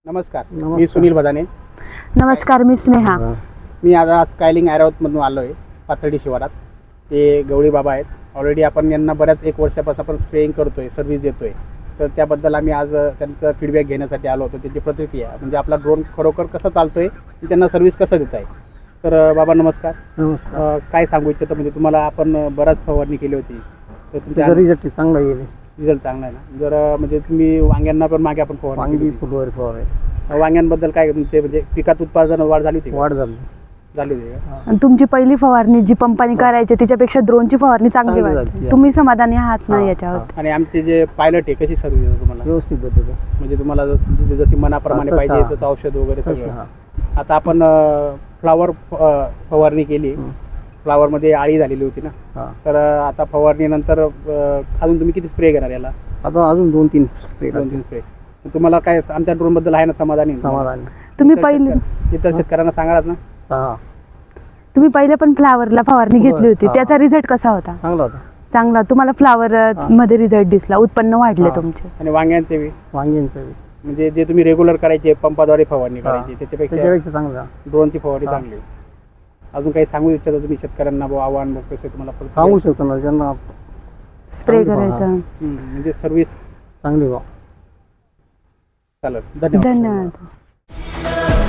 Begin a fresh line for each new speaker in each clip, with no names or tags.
नमस्कार. मी सुनील बदाने.
नमस्कार, मी स्नेहा.
मी आज स्कायलिंग ॲरोमधून आलो आहे पाथर्डी शिवारात. ते गवळी बाबा आहेत. ऑलरेडी आपण यांना बऱ्याच 1 वर्षापासून आपण स्प्रेइंग करतो आहे, सर्व्हिस देतो आहे. तर त्याबद्दल आम्ही आज त्यांचा फीडबॅक घेण्यासाठी आलो होतो. त्यांची प्रतिक्रिया म्हणजे आपला ड्रोन खरोखर कसं चालतो आहे आणि त्यांना सर्व्हिस कसं देत आहे. तर बाबा नमस्कार.
नमस्कार.
काय सांगू इच्छितो म्हणजे तुम्हाला आपण बराच फवारणी केली होती, तर तुमच्या
रिझल्ट चांगला येईल.
रिझल्ट चांगला आहे ना. जर म्हणजे तुम्ही वांग्यांना पण मागे आपण फवारणी
वांगी
केली होती.
फुटवर फवार
वांग्यांबद्दल काय तुमचे म्हणजे पिकात उत्पादन वाढ झाली होती का?
वाढ झाली.
झाली होती का?
आणि तुमची पहिली फवारणी जी पंपाने करायची त्याच्यापेक्षा ड्रोनची फवारणी चांगली
चांगली
वाटते.
झाली.
तुम्ही समाधानी आहात ना
हा,
याच्यावर?
आणि आमचे जे पायलट आहे कशी सर्व्हिस देतो तुम्हाला?
व्यवस्थित देतो.
म्हणजे तुम्हाला जशी मनाप्रमाणे
तसं,
पाहिजे
हा.
तसं औषध वगैरे
तसं,
सगळं.
हा.
आता आपण फ्लावर फवारणी केली. फ्लावरमध्ये आळी झालेली होती ना.
हा.
तर आता फवारणीनंतर अजून तुम्ही किती स्प्रे घेणार याला?
आता अजून 2-3 स्प्रे
2-3 स्प्रे. तुम्हाला काय आमच्या ड्रोनबद्दल आहे ना समाधानी?
समाधान.
तुम्ही पहिले
इतर शेतकऱ्यांना सांगाल ना?
हा,
तुम्ही पहिले पण फ्लावरला फवारणी घेतली होती,
हा.
त्याचा रिझल्ट कसा होता?
चांगला होता.
चांगला. तुम्हाला फ्लावर मध्ये रिझल्ट दिसला, उत्पन्न वाढले
हा.
तुमचे?
आणि वांग्यांचे बी
वांग्यांचं
म्हणजे जे तुम्ही रेग्युलर करायचे पंपाद्वारे फवारणी करायची त्याच्यापेक्षा
त्याच्यापेक्षा चांगला
ड्रोनची फवारणी
हा.
चांगली. अजून काही सांगू इच्छिता तुम्ही शेतकऱ्यांना आव्हान कसं तुम्हाला
सांगू शकतो ना ज्यांना
स्प्रे
चांगली
करायचा.
म्हणजे सर्व्हिस
चांगली बा.
चालेल. धन्यवाद.
धन्यवाद.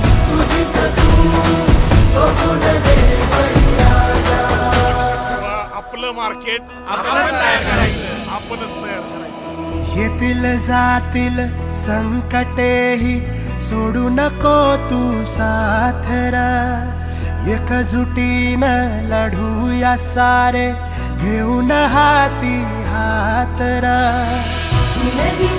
आपलं मार्केट आपण तयार करायचं, आपणच तयार करायचं.
येतील जातील संकटेही सोडू नको तू साथरा. एकजुटीनं लढूया सारे घेऊन हाती हातरा.